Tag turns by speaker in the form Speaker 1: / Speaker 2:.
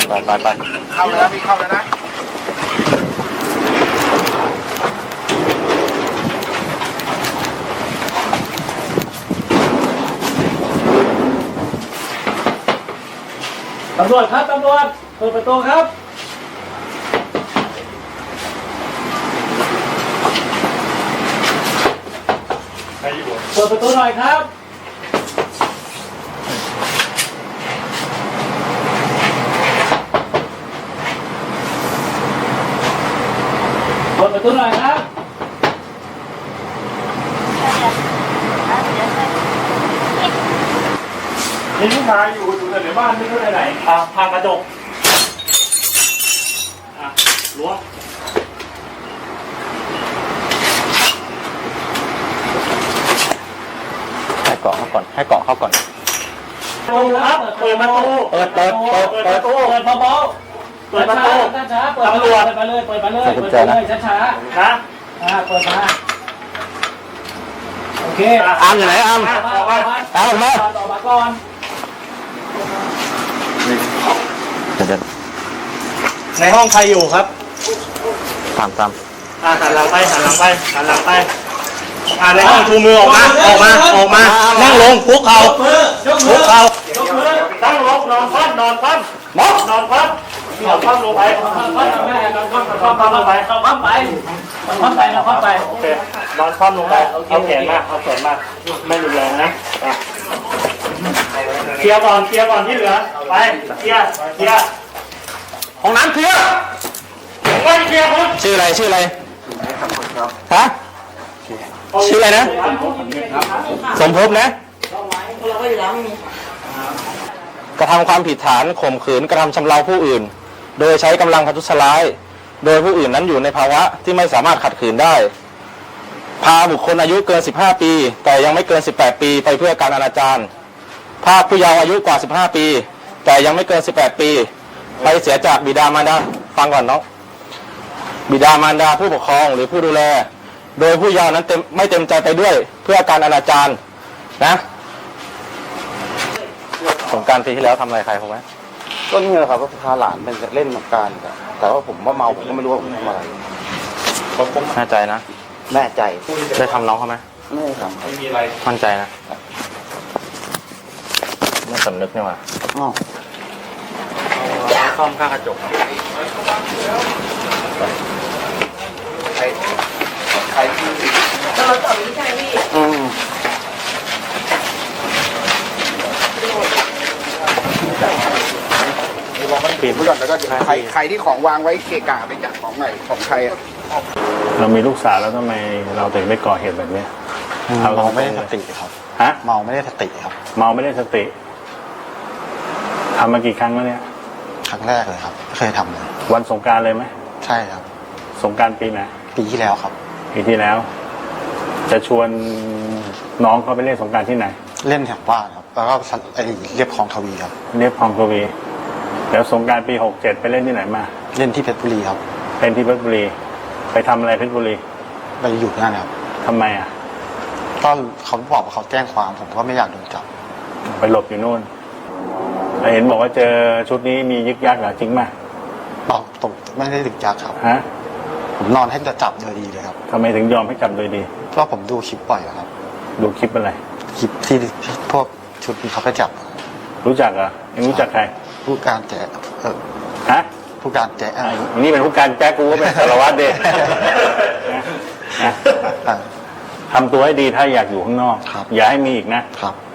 Speaker 1: ไปเข้าเลยนะพี่เข้าเลยนะ
Speaker 2: ตำรวจครับตำรวจเปิดประตูครับเปิดประตูหน่อยครับเปิดประตูหน่อยครับมีลูกค้าอยู่ในบ้านไม่รู้ไหนพากระจกล้วง
Speaker 1: ให้เกาะเข้าก่อนให้เกาะเข้าก่อน
Speaker 2: เปิดครับเปิดประตู
Speaker 1: เปิด
Speaker 2: ประตูเปิดเบาๆเปิดประตูช้าๆเปิดตำรวจเปิดไปเลยเปิดไปเลยช้าๆนะเปิดมาโอเค
Speaker 1: อามอยู่ไหนอามออกมา
Speaker 2: ต่อมาก่อน
Speaker 1: เดี๋ยว
Speaker 2: ในห้องใครอยู่ครับ
Speaker 1: ตาม
Speaker 2: หันหลังไปในห้องชูมือออกมานั่งลงคุกเข่าตั้งลงนอนคว่ำลงไปนอนคว่ำลงไปโอเคนอนคว่ำลงไปเอาแขนมาไม่รุนแรงนะเคลียร์ก่อนที่เหลือไปเคลียร์
Speaker 1: ห้องน้ำเคลียร์
Speaker 2: ไปเคลียร์คน
Speaker 1: ชื่ออะไรฮะชื่ออะไรนะสมภพนะกระทำความผิดฐานข่มขืนกระทำชำเราผู้อื่นโดยใช้กำลังประทุษร้ายโดยผู้อื่นนั้นอยู่ในภาวะที่ไม่สามารถขัดขืนได้พาบุคคลอายุเกิน15ปีแต่ยังไม่เกิน18ปีไปเพื่อการอนาจารพาผู้เยาว์อายุกว่า15ปีแต่ยังไม่เกิน18ปีไปเสียจากบิดามารดาฟังก่อนเนาะบิดามารดาผู้ปกครองหรือผู้ดูแลโดยผู้เยาว์นั้นไม่เต็มใจไปด้วยเพื่อการอนาจารนะสงกรานต์ปีที่แล้วทำอะไรใครเขาไหม
Speaker 3: ก็นี่แหละครับก็พาหลานไปเล่นสงกรานต์แต่ว่าผมว่าเมาผมก็ไม่รู้ว่าผมทำอะไร
Speaker 1: แน่ใจนะ
Speaker 3: แน่ใจ
Speaker 1: ได้ทำน้องเขาไหม
Speaker 3: ไม่ทำ
Speaker 2: ไม่มีอะไร
Speaker 1: มั่นใจนะไม่สำนึกนี่หว่าซ่อมข้างกระจก
Speaker 3: ใครเราต่อวิชัยพี่
Speaker 1: ปีนผู้หลดแล้วก็
Speaker 3: ใครที่ของวางไว้เกะกะไปจับของไหนของใคร
Speaker 4: เรามีลูกสาวแล้วทำไมเราถึงได้ก่อเหตุแบบนี้
Speaker 3: เมาไม่ได้สติครับ
Speaker 4: ฮะ
Speaker 3: เมาไม่ได้สติครับ
Speaker 4: เมาไม่ได้สติทำมากี่ครั้งแล้วเนี่ย
Speaker 3: ครั้งแรกเลยครับไม่เคยทำเลย
Speaker 4: วันสงกรานต์เลยไหม
Speaker 3: ใช่ครับ
Speaker 4: สงกรานต์ปีไหน
Speaker 3: ปีที่แล้วครับ
Speaker 4: ปีที่แล้วจะชวนน้องเขาไปเล่นสงกรานต์ที่ไหน
Speaker 3: เล่นแถวบ้านครับแล้วก็เรียบคลองทวีครับ
Speaker 4: เรียบคลองทวีแล้วสงกรานต์ปี67ไปเล่นที่ไหนมา
Speaker 3: เล่นที่เพชรบุรีครับ
Speaker 4: เป็นที่เพชรบุรีไปทำอะไรเพชรบุรี
Speaker 3: ไปอยู่นั่นครับ
Speaker 4: ทำไมอ่ะ
Speaker 3: ก็เขาบอกว่าเขาแจ้งความผมก็ไม่อยากโดนจับ
Speaker 4: ไปหลบอยู่นู่นเห็นบอกว่าเจอชุดนี้มียึกยักเหรอจริงไหม
Speaker 3: บอกตกไม่ได้ถึงยักครับ
Speaker 4: ฮะ
Speaker 3: ผมนอนให้จะจับโดยดีเลยครับ
Speaker 4: ทำไมถึงยอมให้จับโดยดี
Speaker 3: เพราะผมดูคลิปบ่อยครับ
Speaker 4: ดูคลิปอะไร
Speaker 3: คลิปที่พวกชุดนี้เขาก็จับ
Speaker 4: รู้จักเหรอยังรู้จักใคร
Speaker 3: ผู้การแจ๊
Speaker 4: ฮะ
Speaker 3: ผู้การแจ๊
Speaker 4: นี่เป็นผู้การแจ๊กูก็เป็นสารวัตรเด็กทำตัวให้ดีถ้าอยากอยู่ข้างนอกอย่าให้มีอีกนะครับ